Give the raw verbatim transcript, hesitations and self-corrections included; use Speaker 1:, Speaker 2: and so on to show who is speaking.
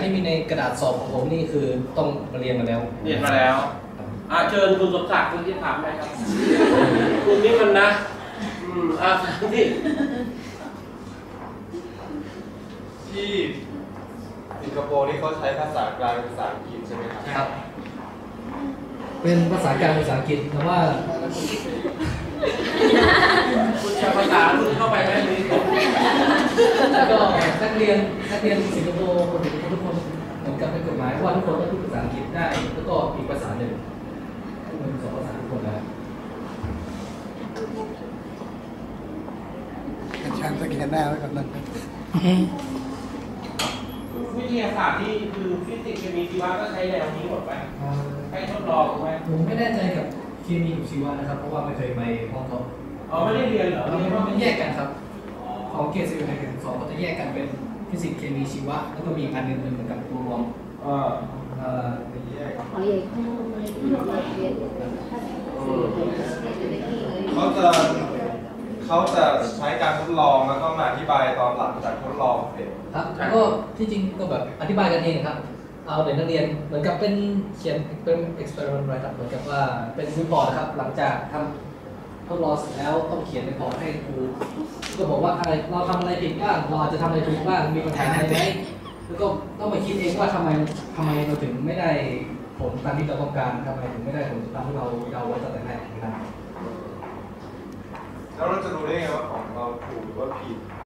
Speaker 1: ที่มีในกระดาษสอบของผมนี่คือต้องมาเรียนมาแล้ว
Speaker 2: เรียนมาแล้วอ่าเชิญคุณสมศักดิ์คุณที่ถามได้ครับคุณนี่มันนะอืมอ่าที่
Speaker 3: ที่สิงคโปร์นี่เขาใช้ภาษากลางภาษาอังกฤษใช่ไหมครับ
Speaker 1: ครับเป็นภาษากลางภาษาอังกฤษแต่ว่า
Speaker 2: คุณจะภาษาคุณเข้าไปไหมนี่
Speaker 1: แล้วก็นักเรียนนักเรียนสิงคโปร์ทุกคนเหมือนกับเป็นกฎหมายว่าทุกคนต้องพูดภาษาอังกฤษได้แล้วก็อีกภาษาหนึ่งทุกคนสอนภาษาทุกคนแล้ว
Speaker 4: อาจารย์สแกนหน้าไว้ก่อนนะ
Speaker 2: วิทยาศาสตร์ที่คือฟิสิกส์เคมีชีวะก็ใช้แนวนี้หมดไปให้ทดลองไหม
Speaker 1: ผมไม่แน่ใจกับเคมีกับชีวะนะครับเพราะว่าไม่เคยไปห้องเขา
Speaker 2: อ๋อไม่ได้เรียนเหรอ
Speaker 1: มันแยกกันครับของเกรดสิบเอ็ดเกรดสองก็จะแยกกันเป็นฟิสิกส์เคมีชีวะแล้วก็มีอันหนึ่งเหมือนกับตัวรวม
Speaker 2: เออ
Speaker 1: เอ่อ
Speaker 3: แยกเขาจะเขาจะใช้การทดลองแล้วก็มาอธิบายตอนหลังจากทดลองเสร็จ
Speaker 1: ครับก็ที่จริงก็แบบอธิบายกันเองครับเอาเด็กนักเรียนเหมือนกับเป็นเขียนเป็น experiment อะไรครับเหมือนกับว่าเป็นรีพอร์ตนะครับหลังจากทำทดลองเสร็จแล้วต้องเขียนในพอร์ตให้ครูก็บอกว่าอะไรเราทำอะไรผิดบ้างเราอาจจะทำอะไรถูกบ้างมีปัญหาอะไรไหมแล้วก็ต้องมาคิดเองว่าทำไมทำไมเราถึงไม่ได้ผลตามที่เราต้องการทำไมถึงไม่ได้ผลตามที่เราเดาไว้ตั้งแต่แรกนะครับ
Speaker 3: แล้วเราจะรู้ได้ไงว่าของเราถูกหรือว่าผิด